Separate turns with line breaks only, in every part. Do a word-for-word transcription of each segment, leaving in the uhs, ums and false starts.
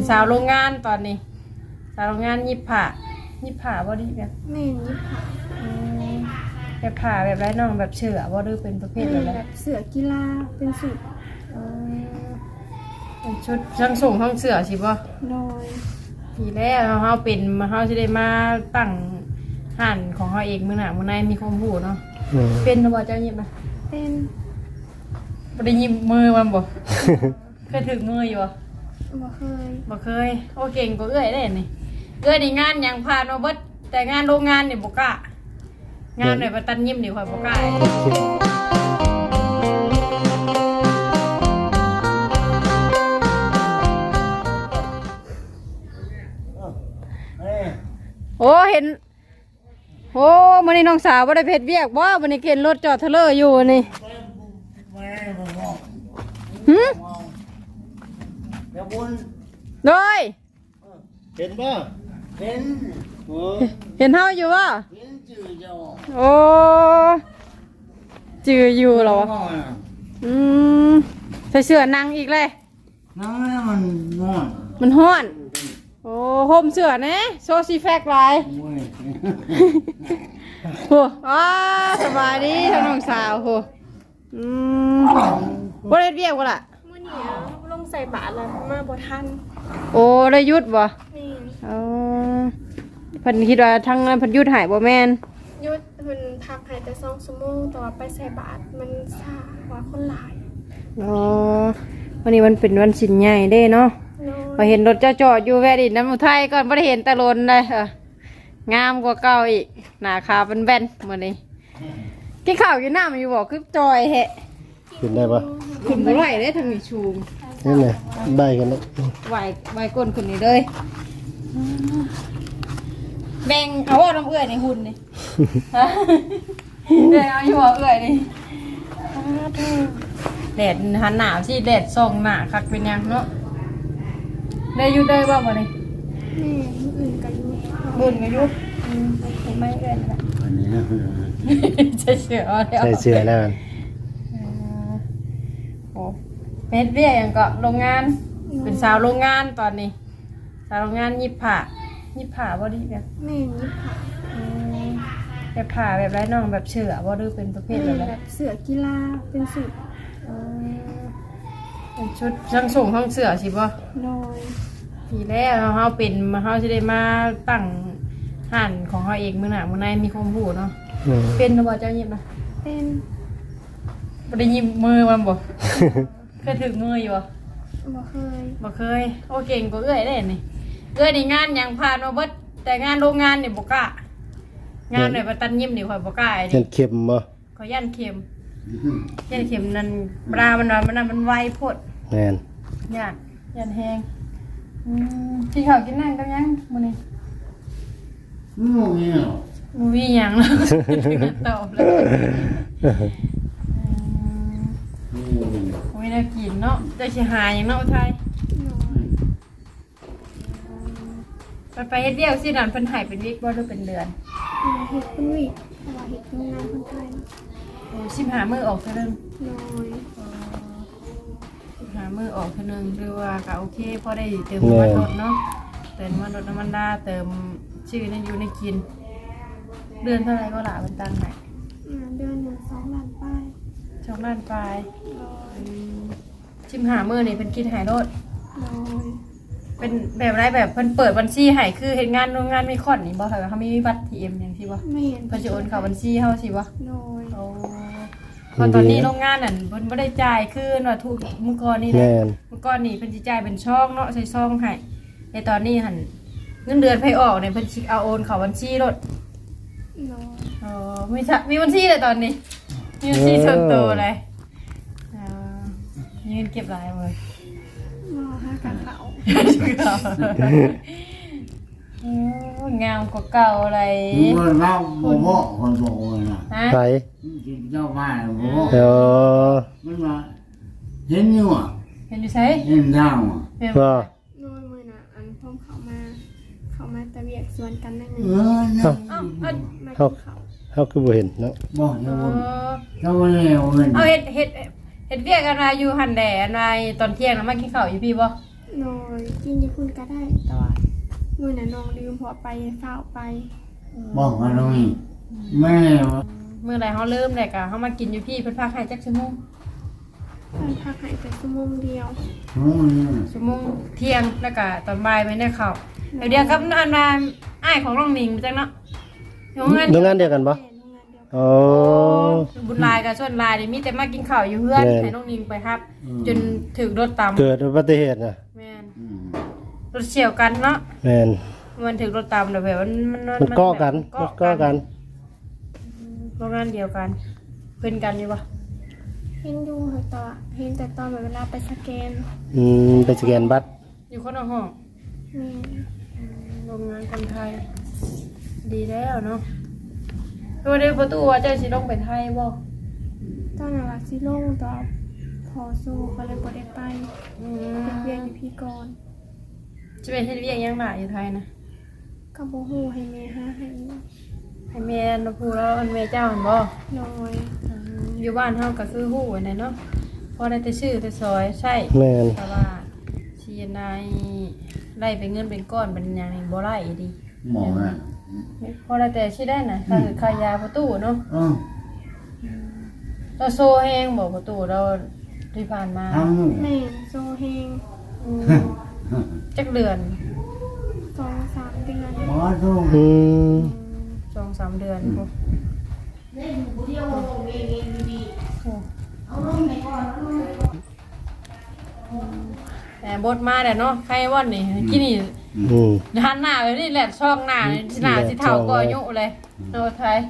สาวโรงงานตอนนี้สาวโรงงานยิบผ้ายิบผ้าบ่ดีแบบ
แม่นยิบผ้า
แบบผ้าแบบไรน้องแบบเชื่อบ่หรือเป็นประเภทอะไร
แบบเสื้อกีฬาเป็นสุด
เป็นชุดทั้งส่งทั้งเสื้อสิบ่
โดย
ทีแรกเฮาเป็นเฮาสิได้มาตั้งห้านของเฮาเองมื้อหน้ามื้อในมีความรู้เนาะเป็นบ่เจ้ายิบมา
เป็น
บ่ได้ยิบมือมันบ่ เคยถึงมืออยู่บ่
บ่เคย
บ่เคยโอ้เก่งกว่าเอื้อยได้นี่เอื้อยนี่งานยังผ่านมาเบิดแต่งานโรงงานนี่บ่กล้างานหน่อยบ่ตันยิ้มนี่ข่อยบ่กล้าโอ้เห็นโอ้มื้อนี้น้องสาวบ่ได้เฮ็ดเวียกบ่มื้อนี้เข็นรถจอดเทเลอร์อยู่นี่หึ
เดี๋ยวบุญ
โดย
เห็นป่ะเห็นโอ้
เห็นเฮาอยู่บ่
เห็นจืดจ้า
โอ้จืออยู่เหรออืมใส่เสื้อนั่งอีกเลย
นั่งแล้วมันร้อน
มันฮ้อนโอ้ห่มเสื้อนะโซซีแฟกไลน์โหอ้าสบายดีทั้งน้องสาวโหอืมบ่ได้เรียกว่าล่ะ
มื้อนี้ลงใส่บาตรแล้วมาบ่ทัน
โอ้ได้ยุดบ่
นี่
อ๋อเพิ่นคิดว่าทั้งนั้นเพิ่นยุดหายบ่แม่น
หยุดเพิ่นพักให้แต่สองชั่วโมงแต่ว่าไปใส่บาตรมันช้าว่าคนหลาย
อ๋อวันนี้มันเป็นวันสินใหญ่เด้เนาะพอเห็นรถเจ้าจอดอยู่แวะดินน้ำอุทัยก่อนบ่ได้เห็นตะลนเลยเอองามกว่าเก่าอีกหน้าขาวเป็นแบนมื้อนี้กินข้าวกินน้ำอยู่บ่คือจอยแฮะ
กินได้ปะ
ขึ้นบ่ไหวเด้ทางนี้ชูม
นี่ไงใบกันแล้ว
ไหวไหวก้นขึ้นนี่เลยแบ่งเอาว่าน้ำเอื้อยในหุ่นนี่แบ่งเอาอยู่ว่าเอื้อยนี่แดดหันหนาวสิแดดส่องหน้าคักเป็นยังเนาะได้อยู่ได้บ่บ่นี่
แม่มื้ออื่นก็อยู่
บุญก็อยู่อืมไม่เอื้อยนั่นแหละ
อันนี้นะ
ใส่เสื้อเอาแล้ว
ใส่เสื้อแล้วกัน
โอ้เป็นเบี้ยอย่างก็โรงงานเป็นสาวโรงงานตอนนี้สาวโรงงานยิบผ้ายิบผ้าบ่ดีแบบ
แม่ยิบผ้า
แบบผ้าแบบไรน้องแบบเชื่อบ่หรือเป็นประเภทอะไร
แบบเสื้อกีฬาเป็นสุด
เป็นชุดทั้งส่งทั้งเสื้อสิบ่
โดย
ทีแรกเฮาเป็นเฮาสิได้มาตั้งห้านของเฮาเองมื้อหน้ามื้อในมีความรู้เนาะเป็นบ่เจ้ายิบนะ
เป็น
บ่ได้ยิบมือมันบ่เคยถึงมืออยู่บ่
บ่เคย
บ่เคยโอ้เก่งกว่าเอื้อยได้นี่เอื้อยนี่งานยังผ่านมาเบิดแต่งานโรงงานนี่บ่กล้างานหน่อยบ่ตันยิ้มนี่ข่อยบ่กล้า
นี่ยันเข็มบ่
ข่อยย่านเข็มย่านเข็มนั่นปลามันว่ามันน่ะมันไวโพด
แม่น
ย่านย่านแฮงอืมกินข้าวกินน้ำกันยังมื้อนี้
งูเงี้ย
บ่มีหยังแล้วตอบเลยโอ้ยน่ากินเนาะจะสิหาหยังเนาะไทยไปไปเฮ็ดเดียวสินั่นเพิ่นให้เป็นวิกบ่หรือเป็นเดือน
เฮ็ดเป็นวิกเพราะว่าเฮ็ดโรงงานคนไทย
โอ้สิบห้ามื้อออกเท่านึง
น้อย
สิบห้ามื้อออกเท่านึงหรือว่าก็โอเคพอได้เติมน้ำมันรถเนาะเติมน้ำมันรถน้ำมันดาเติมชื่อในอยู่ในกินเดือนเท่าไหร่ก็ล่ะมันตั้งให้
เดือนหนึ่งสองล้านปลาย
สองล้านปลายสิบห้ามื้อนี่เพิ่นคิดให้รถเป็นแบบไรแบบเพิ่นเปิดบัญชีให้คือเฮ็ดงานโรงงานมีคอนนี่บ่ค่ะเฮามีบัตร ที เอ็ม หยังสิบ่
ไม่เห็น
เพิ่นสิโอนเข้าบัญชีเฮาสิบ่
น้อย
โอ้พอตอนนี้โรงงานนั่นเพิ่นบ่ได้จ่ายคือว่าทุกเมื่อก่อนนี่แหละเมื่อก่อนนี่เพิ่นสิจ่ายเป็นช่องเนาะใส่ซองให้แต่ตอนนี้หั่นเงินเดือนไผออกเนี่ยเพิ่นสิเอาโอนเข้าบัญชีรถ
น้อย
อ๋อมีมีบัญชีเลยตอนนี้มีบัญชีส่วนตัวเลยอ่ามีเงินเก็บหลายเลย
รอห้ากันเขา
งามกว่าเก่าอะไร
มันเล่าโมโมคนบอกเลยนะ
ใคร
เจ้าบ้านโมโม
เอ
อมันมาเห็นอยู่อ่ะ
เห็นอยู่ใช่
เห็นทางอ่ะ
ก็
น้อยมือน่ะอันพ่อเขามาเขามาตะเวียกสวนกันนั่นเอง
เขาเขาเขาคือบ่เห็นเนาะบ่เห็นเขาบ่เห็น
เอาเห็ดเห็ดเห็ดเวียกกันมาอยู่หันแดนมาตอนเที่ยงแล้วมากินข้าวอยู่พี่บ่
นอนกินอยี่พุ่นก็ได้แต่ว่ามือน่ะน้องลืมพอไปเฝ้าไป
บอกว่าน้องแม่
เมื่อไรเขาเริ่มแหละกะเขามากินอยู่พี่เพิ่นพาให้จักชั่วโมง
เพิ่นพักให้แต่ชั่วโมงเดียว
น้องนี่
ชั่วโมงเที่ยงแล้วก็ตอนบ่ายไม่ได้เข้าเดี๋ยวเดียวกับอันนั้นอ้ายของน้องนิงจังเนาะโรงงาน
โรงงานเดียวกันปะ
แม่โรงงานเดียวกัน
อ๋อ
บุญลายกับชวนลายนี่มีแต่มากินข้าวอยู่เพื่อน
แม่น
ให้น้องนิงไปครับ จนถึงรถตาม
เกิดอุบัติเหตุนะ
แม่นรถเฉี่ยวกันเนาะ
แม่น
มันถึงรถตามเดี๋ยวแบบมันมัน
มันก้อกัน
แบบ
มันก้อกัน
โรงงานเดียวกันเพื่อนกันอยู่ปะ
เห็นอยู่เหรอต่อเห็นแต่ตอนแบบเวลาไปสแกน
อืมไปสแกนบัตร
อยู่คนละห้อง
แม่
โรงงานคนไทย ดีแล้วเนาะตัวเดียวประตูว่าเจ้าสิต้องไปไทยบ่
ตอนนั้นว่าสิลงต่อพอสู้ก็เลยบ่ได้ไป
อื
เรียน
ม
อยู่พี่ก่อน
จะไปเฮ็ดเวียกหยังหล่ะอยู่ไทยนะ
ก็บ่ฮู้ให้แม่หาให้
ให้แม่นพูแล้วอันแม่เจ้าหั่นบ่
น้อย
อืมอยู่บ้านเฮาก็คือฮู้อันนั้นเนาะพอได้แต่ชื่อแต่ซอยใช่
แม่น
แต่ว่าชีนายไล่เป็นเงินเป็นก้อนเป็นหยังนี่บ่ไล่ดี
หมอน่ะ
พอได้แต่ชื่อได้น่ะถ้าคือขายยาประตูเนาะ
อือ
เราโซแห้งบ่ประตูเราที่ผ่านมา
ทำ
แม่โซเฮง
อืมจักเดือน
สองสามเดือน
หมอทุ่งอืม
สองสามเดือนพวกแต่บดมาแต่เนาะใครว่านนี่กินนี่
อืม
หันหน้าเลยนี่แหละช่องหน้านี่หน้าสิเท่าก็อายุเลยโนไทย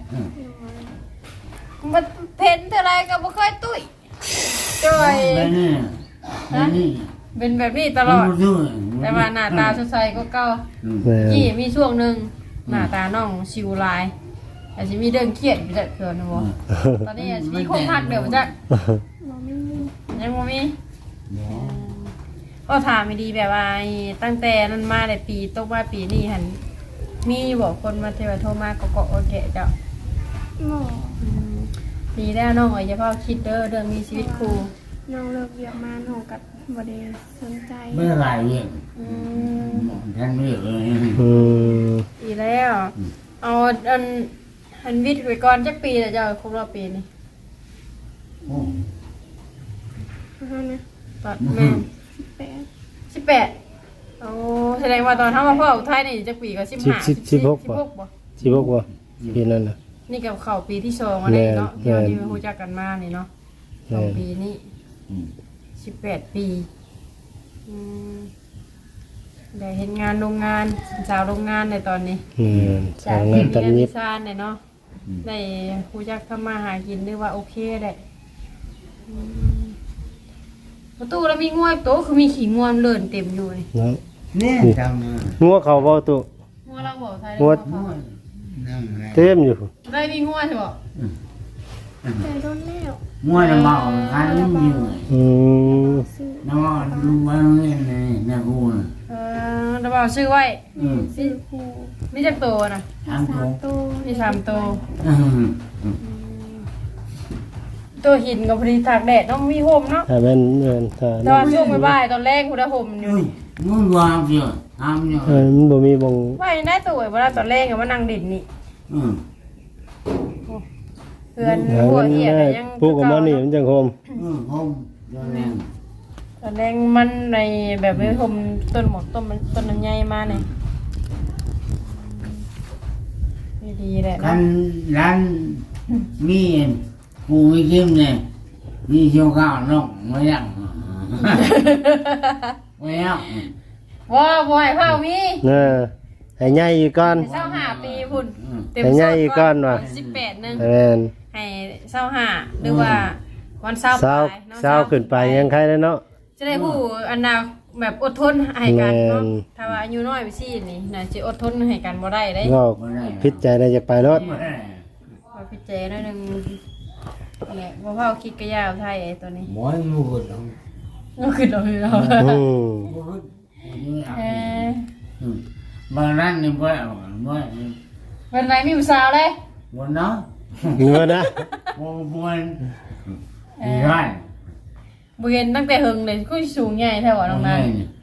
มันเพ้นเท่าไรก็บ่ค่อยตุ้ยจ้อย
ไปนี่ไปนี่
เป็นแบบนี้ตลอด แต่ว่าหน้าตาสดใสก็เก่า
แม่น
ยี่มีช่วงหนึ่งหน้าตาน้องชิวลายอาจจะมีเรื่องเครียดอยู่จักเถื่อนนะบ่ตอนนี้อาจจะมีคนทักเดี๋ยวจัก
บ่มี
ยังบ่มีก็ถามไม่ดีแบบว่าไอ้ตั้งแต่นั้นมาแต่ปีตกมาปีนี้หันมีบอกคนมาเทวโทรมาเกาะๆโอเคเจ้า
หมอ
ดีแล้วน้องอย่าเพิ่งคิดเด้อเรื่องมีชีวิตครู
น้องเลิกเรียนมาน้องก็บ่ได้สนใจ
เมื่อไหร่เนี่ย
อืม
ท่านไม่เลยอืม
ดีแล้วเอาอันอันวิทย์ไปก่อนจักปีแล้วเจ้าครบรอบปีนี่
โอ้
เพราะฉะนั้นนะ
ตอนแม่
สิบแปด
สิบแปดโอ้แสดงว่าตอนทำมาพ่ออุทัยนี่จักปีก็สิบห้าสิบหกบ่
สิบหกว่ะปีนั้นน่ะ
นี่กับเข้าปีที่สองอะไรเนาะ
แม่
ที่
น
เราที่รู้จักกันมานี่เนาะส
แม่
อง
น
ปีนี้
อืม
สิบแปดปีอืมได้เห็นงานโรงงานสาวโรงงานในตอนนี้
อืม
จา
ทาก ง
เรี
นั้
ย
น
น
ตัน
เรียน
ยิ
วิ
บ
ชาเนี่ยเนาะได้รู้จักทำมาหากินนึกว่าโอเคได้อืมประตูแล้วมีง่วยโตะคือมีขี้ง่วงเลื่อนเต็มอยู่นี่
เนาะ
เนี่ยจำเลย
งัวเขาบ่ตุ
ง่วงเราบอกไทย
ง่วง
นั่งไง
เต็มอยู่
ได้มีง่วงใช่ปะ
แต่โดนแล้ว
ง่วงน้ำเมาคันอยู่
อืม
ซื้อ
น้ำเมาดูบ้านเงี้ยนี่แม่กูน่ะ
เออเราบอกชื่อไว้
อืม
ซื้อครู
นี่จักโตนะ
ทำ
สา
ถู
ม
ก
ตัว
มีสามโต
อืม
ตัวหินกับพอดีตากแดดต้องมีห่มเนาะ
ถ้าแม่นแม่นถ้า
ตอนช่วงบ่ายๆตอนแรกคุณได้ห่มอยู่
อุ้ยมึงวางเสียทำอยู่
เออมันบ่มีบ่ง
ไม่ได้ตัวเวลาตอนแรกกับว่านั่งดินนี่
อืม
เพื่อน
หา
หัว
เงิน
เหีย
ได้
ยัง
ปลูกออกมานี่มันจังโฮม
อืมผมโดนแรง
ตอนแรกมันในแบบไม่ห่มต้นหมดต้นมันต้นมันใหญ่มาเนี่ยไม่ดีแหละ
คั
เนาะ
นร้านมีกูไม่เข้มเนี่ยมีเชียวข้าวนกไม่ยังไม่ยัง
ว้าวบ่อยเผามี
เออให้ใหญ่อีกก่อน
ให้เศร้าหาปีพุ่นเต็ม
ให้ใหญ่อีกก้อนว่ะ
สิบแปดหนึง
แม่น
ให้เศร้าหาหรือว่าวันเศร้า
เช้า
ปลายเนาะ
เช้าขึ้นไปยังใครแล้วเนาะ
จะได้ผู้อันนาแบบอดทนให้กันเนาะ
แม่น
ถ้าว่าอายุน้อยไปซี่นี่น่าจะอดทนให้กันบ่ได้เด้
ก็พิจใจได้จะไปรถ
พอพี่เจหน่อยหนึงแหละบ่เผาคิดกระยาวไทยไอ้ตัวนี้
บ่อยมูดลง
ก็คือเราเรา
อืม
มูด
เออบ
างร้านนี่บ่อยบ่อย
เป็นไรมีผู้สาวเลย
บ่เนาะ
เงินนะ
บ่บ่อยมีร้าน
บ่เห็นตั้งแต่หึงเลยก็สูงใหญ่แท้ว่าน้องนาย
คือ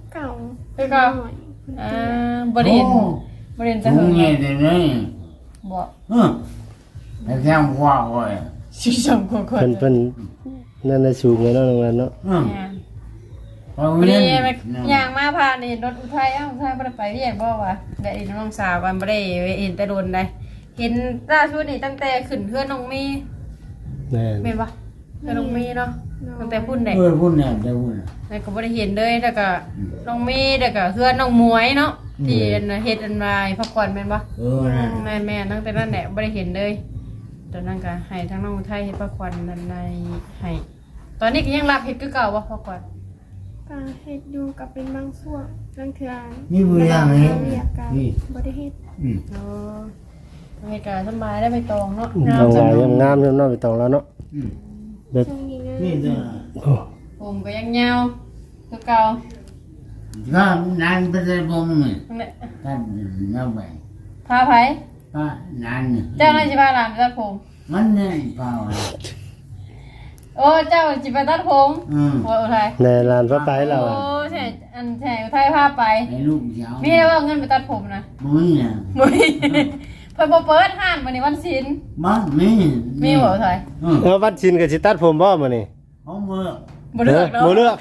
เก่า
คือเก่า
หน่อย
อ่าบ่ได้เห็นบ่ได้เห็นแต่
Cũng
เฮิง
nghe từ đấy
บ่
ừ. Để xem qua rồi
สิสองคนคน
เพิ่นเพิ่นนั่นน่ะสูงเลยเนาะน้องนันเนาะ
ừ.
เนี่ย
Còn
พอดี
nguyên
ไปย่างมาผ่านนี่รถอุทัยเอ้าอุทัยบ่ได้ไปเรียกบ่วะได้อีน้องสาวกันบ่ได้เห็นแต่โดนได้เห็นล่าสุดนี่ตั้งแต่ขึ้นเพื่อนน้องมี
แม่น
แม่นบ่เพื่อนน้องมีเนาะตั้งแต่พุ่นได้
Ôi, phút này đây phút này
แล้วก็บ่ได้เห็นเลยแล้วก็น้องมีแล้วก็เพื่อนน้องมวยเนาะที่อันเฮ็ดอันวายพักผ่อนแม่นบ่
ừ này
แม่แม่ตั้งแต่นั้นแหละไม่ได้เห็นเลยตอนนั้นก็ให้ทั้งน้องไทยเฮ็ดพักควันนันในให้ตอนนี้ก็ยังรับเฮ็ดคือเก่าวะพักควัน
ก็เฮ็ดอยู่กับเป็นบางช่วงบางเทื่อ
นี่บ่ได้เฮ็ด
เรียกกัน
นี่
บ่ได้เฮ็ด
ừ.
เนาะทำให้การสบายได้ไปตองเนาะ
น้องวายงามๆเนาะไปตองแล้วเนาะ
Ừ.
แบบ
ช่วงนี้งาน
นี่ตัว
โอ้
ผมก็ยังยาวคือเก่า
ก็นานไปเลยผมนี่
นั่นแหละ
ท่านน้าไป
พาไผ
ก็นานนี่
เจ้าน่าสิพาหลานไปตัดผม
มันเนี่ยเปล่า
โอ้เจ้าสิไปตัดผม
อืม
โอ้อุทัย
ในลานพระไปเรา
โอ้
อะ
ใช่อันใช่อุทัยพาไป
ไอ้ลูกเจ้า
มีได้ว่าเงินไปตัดผมนะ
มุ้ยน่ะ
มุ้ยเพิ่นบ่เปิดห้านวันนี้วันศิลป์
บ้านมี
มีบ่อุทัย
อืม
เอาวัดชินกับสิตัดผมบ่มื้อนี้
ของเมื่อ
บ่เลือกเนาะ
บ่เลือก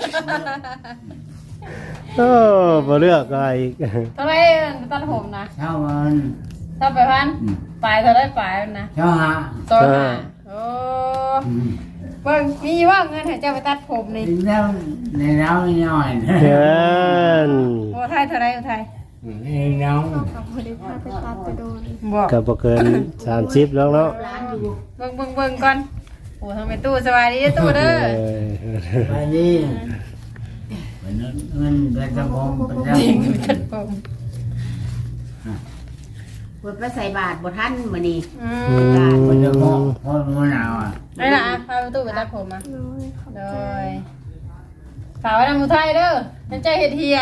โอ้บ่เลือกอะไรอีก
เท่าไรตัดผมนะ
เช้าวัน
เท่าไปพัน
อืม
ปลายเท่าไรปลายมันนะ
เช้าหา
สองห้าโอ้
อืม
เบิ่งมีว่าเงินให้เจ้าไปตัดผมนี่
ถึงแล้วในเราหน่อยนะ
เชิญ
โอ้ไทยเท่าไรอุทัย
ในเรา
เรากับบ่ได้พาไปตัดแต่โดน
บอก
ก็บ่เกินสามสิบแล้วเนาะ
เบิ่งเบิ่งเบิ่งก่อนโอ้ทางไปตู้สบายดีเด้อตู้เด้อ
เออ
ไปดิมันมันเป็นตะบงเป็นตะ
จริง
บง
ตัดผม
เปิดไปใส่บาทบ่ทันมื้อนี้
อื
อื
ม
เป็นตะบง
ม
พอรู้หนาวอ่ะ
ไอ้ล่ะพาไปตู้ไปตัดผมมา
น้อยขอบ
โด
ใจ
ยฝากไว้ทางอุทัยเด้อนั่นใจเฮ็ดเฮีย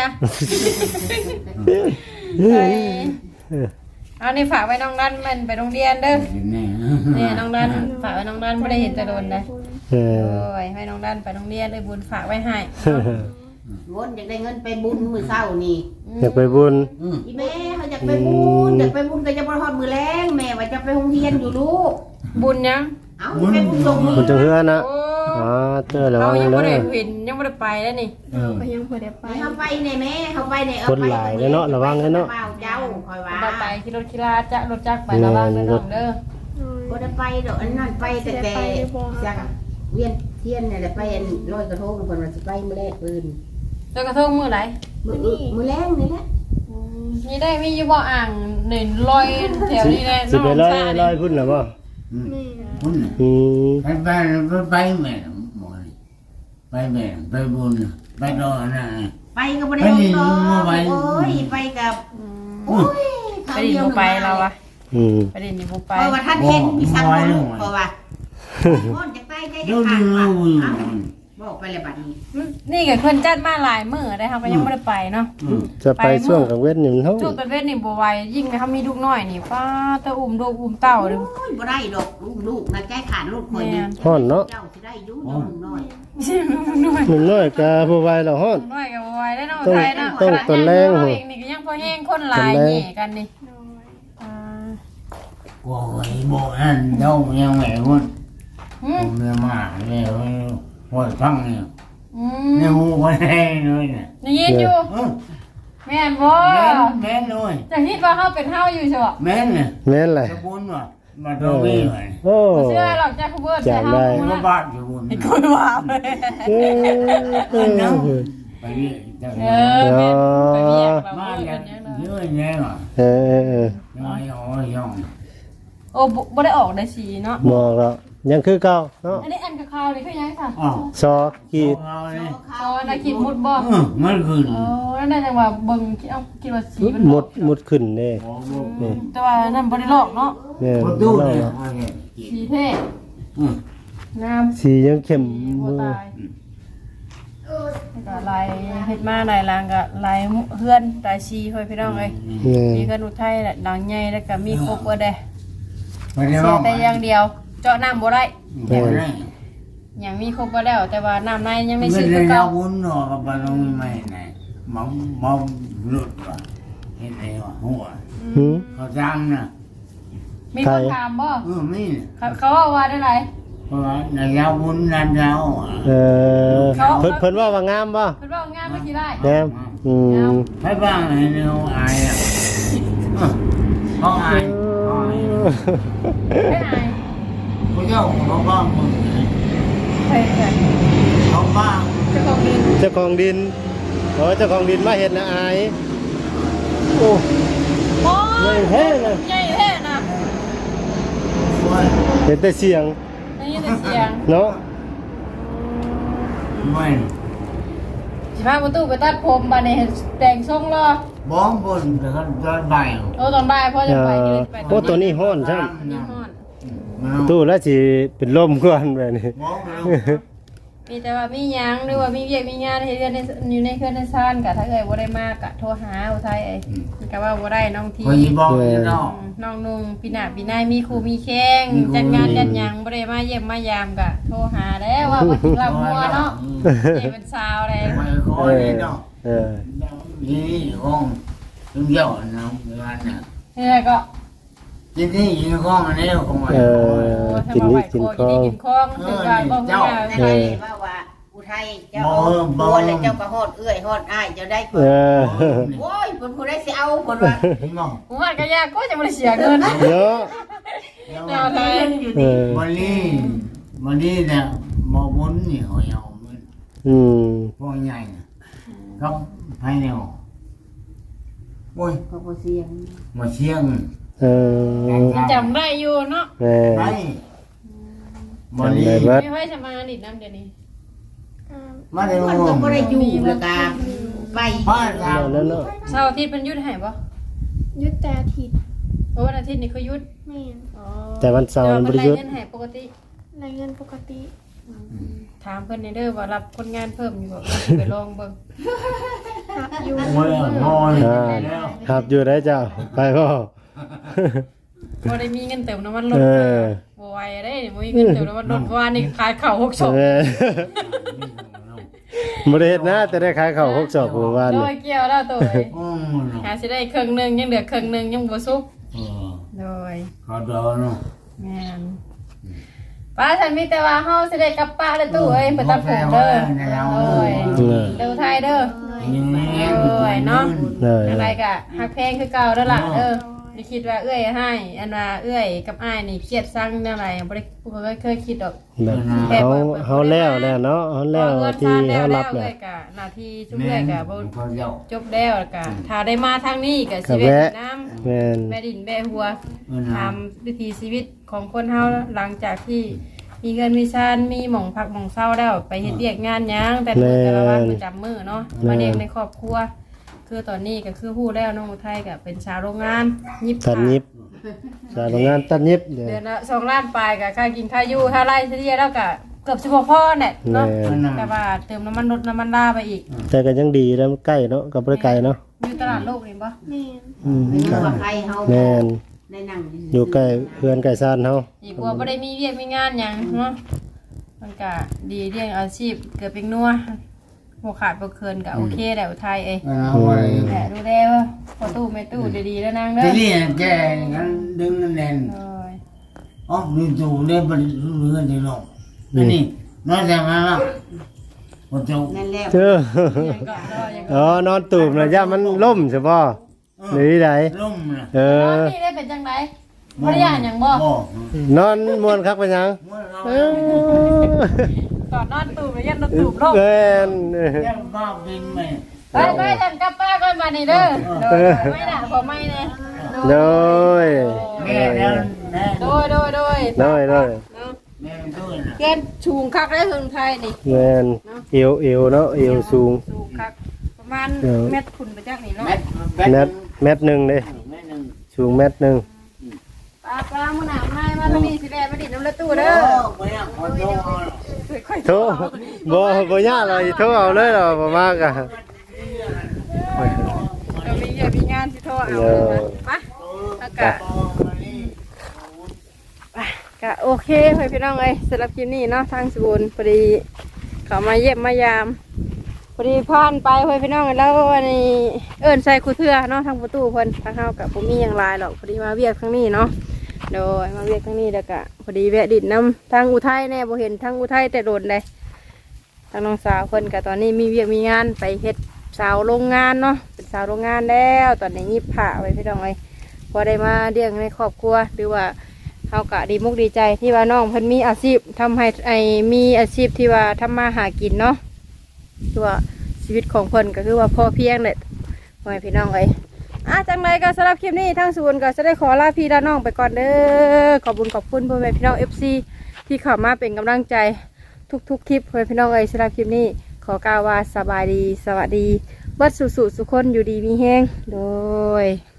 ไปเอานี่ฝากไว้น้องดันมันไปโรงเรียนเด้อ
นี่
นี่น้องดันฝากไว้น้องดันไม่ได้เห็นแต่โดนเลย
เออ
โอ้ยให้น้องดันไปโรงเรียนเลยบุญฝากไว้ให้
วนอยากได้เงินไปบุญมื้อเช้านี่
อยากไปบุญ
อืม
อีแม่เขาอยากไปบุญอยากไปบุญก็จะบ่ฮอดมื้อแลงแม่ว่าจะไปโรงเรียนอยู่ลูก
บุญยัง
เอ้าไปบุญลงมือ
คุณจังเฮือนะ
โอ้
อ๋อเจอแล้ว
เรา
ว่า
ยัง
เล
ไม่ได้
ย
เห็นยังไม่ได้ไปแล้วนี่
เออ
ก็ยังบ่ได้ไป
ไปเฮาไปในแม่เฮาไปใน
คนหลายเลยเนาะระวังเลยเนาะ
เปล่าเจ้าคอยว่า
เราไปขี่รถขี่ลาจะรถจักรไประวังเด้อน้องเด้อ
น้อย
บ่ได้ไปดอกอันนั้นไปแต่แต่จักเวียนเทียนนี่แหละไปอันลอยกระทงเพิ่นว่าสิไปมื้อแรกปืน
แล้วกระทงมือไหน
มื้อมื้อแรงนี่แหละ
นี่ได้มีอยู่บ่อ่างหนึ่งลอยแถวนี้แหละ
สิไปร้อย
ชา
ร้อยพุ่นเหรอบ่
อืม
แม่
บุญ
อืม
ไปไปไปแม่หมดไปแม่ไปบุญไปรอนะ
ไปก็บ่ได้ฮอดดอกโอ้ยไปกับโอ้ย
ไปดินบ่ไปเราอะ
อืม
ไปดินนี่บ่ไป
เพราะว่าท่านเห็นมีสักคนเพราะว่าพ่นจะใกล้ใจจะ
ดู
ขา
ดู
ดว่า
ดู
บอกไปเลยบัดนี้
นี่กับเพิ่นจัดมาหลายมื้อได้เฮาก็ยังบ่ได้ไปเนาะ
จะไปช่วงกลางเว้นนี่มันเท่า
จุดตะเวนนี่บ่ไหวยิ่งเขามีลูกน้อยนี่ป้าตะอุ้มลูกอุ้มเต้าเลย
โอ้ยบ่ได้ดอกลูกลูกนะใจขาดลูกคอยนึง
ฮ้อนเนาะ
เจ้าสิได้อยู่น้องน้อย
ไม่ใช่ลูกน้อย
หนุ่มน้อยกะบ่ไหวแล้วฮ้อน
น้อยก็บ่ไหวได้เนาะ
ต้อง
ไทยเนาะ
ต้องตนแรง
เฮา
โห
เองนี่ก็ยังพอแห้งคนหลาย
ตนแรง
แหน่กันนี่
น้อย
อ่า
โอ้ยบอกนั่นเจ้ายังไงวะ
อื
ผม มเนี่ยมาเนี่ยหัวฟังเนี่ย
อื
เนี่ย
ม
หูคนแห้งเลยเนี่ย
ได้ยินอยู่
เออ
แม่นบ่
แม่นแม่นเลย
จะคิดว่าเฮาเป็นเฮาอยู่ใช่บ่
แม่นเนี่ย
แม่นแหละ
จะบุญว่ะมาตัววิ่งเลย
โอ้
บ่เชื่อหรอกจ้าคุณเบิร์ดแต่เฮา
จำได้
บ่
มา
ละ
บ้านจะบุญ
ไอ้คุยว่าไป
เออเออ
ไปนี่จะ
เออแม่นไปเรียกเรา
มา
เบิด
เนี่
เป็
ย
นยังไง
เยอะแยะว่ะ
เออเออเออ
น้อยอ๋อยอง
โอ้บ่บ่ได้ออกได้สีเนาะ
บอกแล้วยังคือเก่าเนาะ
อันนี้อันคาวๆนี่คือยังค่ะ
อ๋อ
ซอขีด
เอาเลย
อ๋อนาคิดมุดบ่
เออมันขึ้น
อ๋อนั่นได้จังว่าเบิ่งคิดเอาคิดว่าสีมัน
หมดหมดขึ้นเด้
โอ้โห
นี่
แต่ว่านั่นบ่ได้ลอกเนาะ
แม่น
ประ
บ่
ตู
เล่า
เนี่ย
เนาะ
สีเท่
อืม
งาม
สียังเข้ม
บ่
มือ
ตายแล้วก็ลายเฮ็ดมาลายลางก็ลายเฮือนลายสีค่อยพี่น้องเอ้ย
แม่
มีกันอุทัยแหละดังใหญ่แล้วก็มีครบเบิดเด้
ไม่ได้
เสี
บ
ย
อก
แต่อย่างเดียว เจาะน้ำบ่ได้
ไม่ได้
หยังมีครบบ่แล้ว แต่ว่าน้ำในยังได้
ไม่
ซื้อ
ได้
คือ
เรา
เก่า
บุญหรอกกับเราไม่ไหน
อ
mong mong lụt vào cái này mà hùa
หืม
เขาจำนะ
มีคนถามบ่
เออไม่
เขาเขาว่าว่าได้ไร
เพราะว่าในยาวบุญนันยาวอ่ะ
เออเพิ่นเพิ่นว่าว่างามบ่
เพิ่นว่างานเมื่อกี้ได้
แงามอืม
ให้บ้างให้เร็วอายอ่ะเออเขาอายเขาอาย
ไม่อาย
เขาเจ้าเขาบ้างมึง
ใช่ใช่
เขาบ้าง
เจ้าของดิน
เจ้าของดินโอ้เจ้าของดินมาเห็นนะอายโอ้
โอ้
ใหญ่
ย
แท้เลย
ใหญ่แท้นะ
ว่า
เห็นแต่เสียง
ได้ยินแต่เสียง
เนาะ
ไม่
สิพาประตูไปตัดผมบัดนี้แต่งทรงรอ
บ้องบนแต่ก็ย้อนไป
โอ้ตอนบ่ายพ่อ
เอ
จะไป
อ
ยืนไป
โอ้ตัวนี้ฮ้อนใช่
นี่ฮ้อน
ตู้แล้วสิเป็นลมก่อนแบบนี้
บ้องแล้ว
มีแต่ว่ามีหยังหรือว่ามีเวียกมีงานให้เรือนในอยู่ในเครื่องในซ่านกะถ้าเอ่ยบ่ได้มากกะโทรหาอุทัยเอ้ยมันก็ว่าบ่ได้น้องที
พอยีบ้องนี่เนาะ
น้องนุ่งปีหน้าปีหน้ามีครูมีแข้งจัดงานจัดหยังบ่ได้มาเยี่ยมมายามกะโทรหาแล้วว่าบ่สิรับหัวเนาะใหญ่เป็นสาวเลย
ไม่คอ
เออ
นี่เนาะ
เออ
นี่ห้องถึงเยอะนะเวลาน่ะ
นี่แหละก็
ทีนี่ยิงห้องอันนี้ของมัน
เออกินนี่กินข้าว
กินข้องถึงว่าบ่ฮู้ว่า
ได้ว่าว่าอุทัยเจ้าบัวแล้วเจ้าก็ฮอดเอื้อยฮอดอ้ายเจ้าได้
เออ
โอ้ยเพิ่นผู้ใดสิเอาเพิ่นว่า
เห็นมั้ง
ผมว่าก็ยากก็จะบ่ได้เสียเงิน
เนาะ
แนวไทย
เออ
วันนี้วันนี้เนี่ยมอบุญนี่เขาเอามัน
อืม
พวกใหญ่ครับภายในห้องโอ้ย
ก็บ่เสียง
มาเชียง
เออ
จำได้อยู่เนาะ
แม่
ไปมา
จำ
ลี
ได้เบิด
ไม่ค่อยจะมาดิดน้ำเดี๋ยวนี้
อ่า
มาใน
มัน
ห้
ก็
อง
บ่ได้อยู่แล้วก็ไป
บ้านเรา
นั่นเนาะ
เสาร์อาทิตย์เป็นหยุดให้บ่
ยุดแต่อาทิตย์
เพราะวันอาทิตย์นี่เขาหยุด
แม่น
อ๋อ
แต่วันเสาร์มันบ่ได้หยุด
เงินให้ปกติ
รายเงินปกติ
ถามเพิ่นในเด้อว่ารับคนงานเพิ่มอยู่บ่ไปลองเบิ่ง
หักอยู่
โอ้ยนอน
อ่า
แล้ว
ครับอยู่ได้เจ้าไปบ่
บ่ได้มีเงินเติมน้ำมันรถ
เอ
เอ
อ
อบ่ไหวเด้บ่มีเงินเติมน้ำมันรถเพราะว่านี่ขายข้าวหกศพ
เออบ่ได้เฮ็ดนะแต่ได้ขายข้าวหกศอกเมื่อวาน
โด
นี่
ยเกี่ยวแล้วตัวเอ้ย
โอ้ย
หาสิได้ครึ่งหนึงยังเหลือครึ่งหนึงยังบ่สุก
เออ
โดย
เขาโดนเนาะ
แม่นป้าฉันมีแต่ว่าเฮาสิได้กลับป้าเด้อตู้เอ้ยไปตัดผมเด้อโดย
เออ
เด้อไทยเด้อ
เออ
อะไรกะฮักเพลงคือเก่าเด้อล่ะเออไม่คิดว่าเอื้อยให้อันว่าเอื้อยกับอ้ายนี่เครียดสั่งแนวไรบ่ได้บ่เคยเคยคิดดอก
แบบเฮาเฮาแล้วแล้วเนาะเฮาแล้วที่เฮารับ
แล้
แล้ว ว
กะหน้าที่ชุบเอื้อยกะบ่
เขาเจ้า
จบแล้วกะถ้าได้มาทางนี้ก็สิ
ก็
แวะ
แวะ
น้ำ
แม่น
แม่ดินแม่หัว
เออ
ทำวิถีชีวิตของคนเฮาหลังจากที่มีเงินมีชานมีหม่องพักหม่องเศร้าแล้วไปเฮ็ดเวียกงานหยังแต่มื้อแต่ละวันประจำมื้อเนาะมาเลี้ยงในครอบครัว คือตอนนี้ก็คือฮู้แล้วน้องอุทัยก็เป็นชาวโรงงานยิบ
ตัดยิบสายโรงงานตัดยิบเดี๋ยว
เดือนละสองล้านปลายก็ค่ากินค่าอยู่ค่าไร่เฉลี่ยแล้วก็เกือบสิบพ่อเนี่ยเนาะ
แม่น
แต่ว่าเติมน้ำมันรถน้ำมันลาไปอีก
แต่ก็ยังดีแล้วมันใกล้เนาะก็บ่ได้ไกลเนาะ
อยู่ตลาดโลกนี่ปะ
แม่น
อืม
เป็นว่าใครเฮา
แม่น
ได้นั่ง
อยู่ใกล้เพื่อนใกล้ซ่านเฮา
อีกว่าบ่ได้มีเวียกมีงานหยังเนาะมันก็ดีเรื่องอาชีพเกิดเป็นนัวหัวขาดบ่เคินก็โอเคแหละอุทัยเอ้ย
เอาไว้
แหละดูแลว่าพอตู้ไม่ตู้ดีๆแล้วนางเด้
ที
อ
นี้แกงั้นดึงนั่นแน่น
โอ้ย
อ๋อมีตู้ได้บริสุทธิ์เรื่องที่ลงอันนี้นอกจากนั้นแล้วพอตู้
นั่นแหละ
เออ
ยังก็รอยังก็
อ๋อนอนตูบน่ะย่ามันล่มใช่บ่หรือใด
ล่มนะ
เอ
ตอน
อ
นี้ได้เป็นจังไดบ่ได้ย่านหยังบ่
บ่
นอนม่วนคักเป็นหยังเออ
ก่อนนอนตูบแล้วยันนอนตูบโลก
แม่น
แก้วบ้าบินไหม
ไปไปฉันกลับป้าก่อนมานี่เด้อโดยไม่น่ะพอไม่แน่
โดย
แม่แล้วแม่
โดยโดยโดย
โดยโดย
เนาะ
แม่ด้วยนะ
เกณฑ์ชูงคักได้ถึงไทยนี่
แม่นเอวเอวเนาะเอวสูง
สูงคักประมาณเม็ดขุนไปจากนี่เนาะ
แม่
เมตรเมตรหนึงเด้
แม่หนึ่ง
สูงเมตรหนึง
ป้าป้ามื้อหน้ามามาทางนี้สิแลมาดิน้ำละตู้
โอ้
เด้อ
ไม่อยากขอโทษ
ค่อย
โทบ่บ่ยากเลยโทรเอาเลยเหรอบ่มากอ่ะ
เรามีเยอะมีงานสิโทรเอาเลยมาแล้วก็ก็โอเคเพื่อนพี่น้องเอ้ยสำหรับคลิปนี้เนาะทางสบูนพอดีเขามาเยี่ยมมายามพอดีผ่านไปเพื่อนพี่น้องแล้วอันนี้เอิ้นใส่คูเทือเนาะทางประตูเพิ่นทางเฮากับผมมีอย่างไรหรอกพอดีมาเวียกครั้งนี้เนาะโดยมาเวียกครั้งนี้แล้วก็พอดีแวะดินน้ำทางอุทัยแน่บ่เห็นทางอุทัยแต่โดนเลยทางน้องสาวเพิ่นกับตอนนี้มีเวียกมีงานไปเฮ็ดสาวโรงงานเนาะเป็นสาวโรงงานแล้วตอนนี้ยิบผ้าไว้พี่น้องเลยพอได้มาเลี้ยงในครอบครัวหรือว่าเฮากะดีมุกดีใจที่ว่าน้องเพิ่นมีอาชีพทำให้ไอมีอาชีพที่ว่าทำมาหากินเนาะตัวชีวิตของเพิ่นก็คือว่าพอเพียงเลยพ่อแม่พี่น้องเลยอ่ะจังไรก็สำหรับคลิปนี้ทางศูนย์ก็จะได้ขอลาพี่ลาน้องไปก่อนเด้อขอบคุณขอบคุณพ่อแม่พี่น้องเอฟซีที่เข้ามาเป็นกำลังใจทุกๆคลิปพ่อแม่พี่น้องเลยสำหรับคลิปนี้ขอกล่าวว่าสบายดีสวัสดีวัดสุสุสุคนอยู่ดีมีแห้งโดย